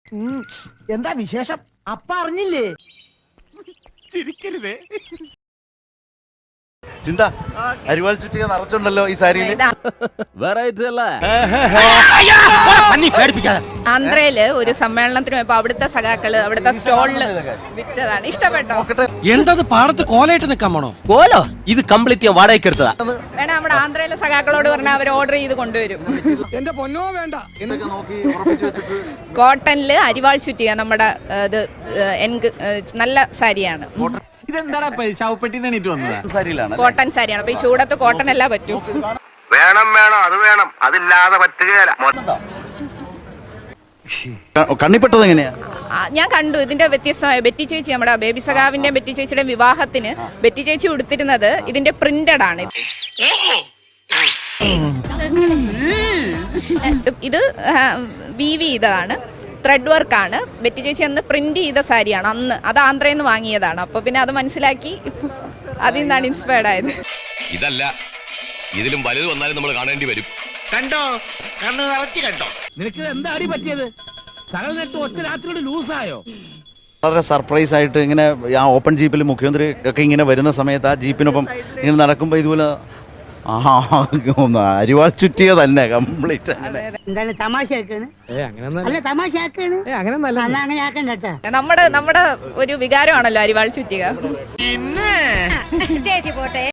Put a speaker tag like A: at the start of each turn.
A: എന്താ വിശേഷം? അപ്പ അറിഞ്ഞില്ലേ?
B: ചിരിക്കരുതേ.
C: ചിന്ത അരിവാൾ ചുറ്റിക നിറച്ചുണ്ടല്ലോ ഈ സാരിയിൽ.
D: ആന്ധ്രയില് ഒരു സമ്മേളനത്തിന് പോയപ്പോ അവിടുത്തെ സഖാക്കള് അവിടുത്തെ സ്റ്റോളില് വിറ്റതാണ്. ഇഷ്ടപ്പെട്ടോ?
B: എന്തത് പാടത്ത് കോലായിട്ട് നിക്കാൻ പോണോ?
E: കോലോ ഇത് കംപ്ലീറ്റ് ഞാൻ വാടകയ്ക്ക് എടുത്തതാ.
D: വേണം നമ്മുടെ ആന്ധ്രയിലെ സഖാക്കളോട് പറഞ്ഞാൽ അവർ ഓർഡർ ചെയ്ത് കൊണ്ടുവരും.
B: എന്റെ പൊന്നോ വേണ്ട.
D: കോട്ടണില് അരിവാൾ ചുറ്റിക നമ്മുടെ ഇത് നല്ല സാരിയാണ്.
F: ഇതെന്താ ശവപ്പെട്ടി തന്നിട്ട് വന്നതാ?
C: സാരിയിലാണ്
D: കോട്ടൺ സാരിയാണ്. അപ്പൊ ഈ ചൂടത്ത് കോട്ടൺ എല്ലാം പറ്റും.
G: വേണം അത് വേണം, അതില്ലാതെ പറ്റുകയില്ല.
C: കണ്ണിപ്പെട്ടത് എങ്ങനെയാ?
D: ഞാൻ കണ്ടു ഇതിന്റെ വ്യത്യസ്തമായ ബെറ്റി ചേച്ചി, നമ്മുടെ ബേബി സഖാവിന്റെ ബെറ്റി ചേച്ചിയുടെ വിവാഹത്തിന് ബെറ്റി ചേച്ചി ഉടുത്തിരുന്നത് ഇതിന്റെ പ്രിന്റഡ് ആണ്. ഇത് വീവി ചെയ്തതാണ്, ത്രെഡ് വർക്കാണ്. ബെറ്റി ചേച്ചി അന്ന് പ്രിന്റ് ചെയ്ത സാരിയാണ്, അന്ന് അത് ആന്ധ്രയിൽ നിന്ന് വാങ്ങിയതാണ്. അപ്പൊ പിന്നെ അത് മനസ്സിലാക്കി അതിൽ നിന്നാണ് ഇൻസ്പയർഡ് ആയത്.
H: ഇതല്ല, ഇതിലും വലുത് വന്നാലും നമ്മൾ കാണേണ്ടി വരും.
B: കണ്ടോ, കണ്ണ് നിറച്ച് കണ്ടോ.
F: നിനക്ക് എന്താ അടി പറ്റിയത്? സകല നെട്ട് ഒറ്റ രാത്രിയോട് ലൂസായോ?
C: വളരെ സർപ്രൈസ് ആയിട്ട് ഇങ്ങനെ ആ ഓപ്പൺ ജീപ്പിൽ മുഖ്യമന്ത്രി ഒക്കെ ഇങ്ങനെ വരുന്ന സമയത്ത് ആ ജീപ്പിനൊപ്പം ഇങ്ങനെ നടക്കുമ്പോൾ ഇതുപോലെ അരിവാൾ ചുറ്റിയ തന്നെ കംപ്ലീറ്റ്.
A: എന്താണ് തമാശയാക്കാണ്? അല്ല തമാശയാക്കാണ്. അങ്ങനെ ആക്കണ്ട.
D: നമ്മുടെ ഒരു വികാരമാണല്ലോ അരിവാൾ ചുറ്റിക.
B: പിന്നെ
D: ചേച്ചി പോട്ടെ.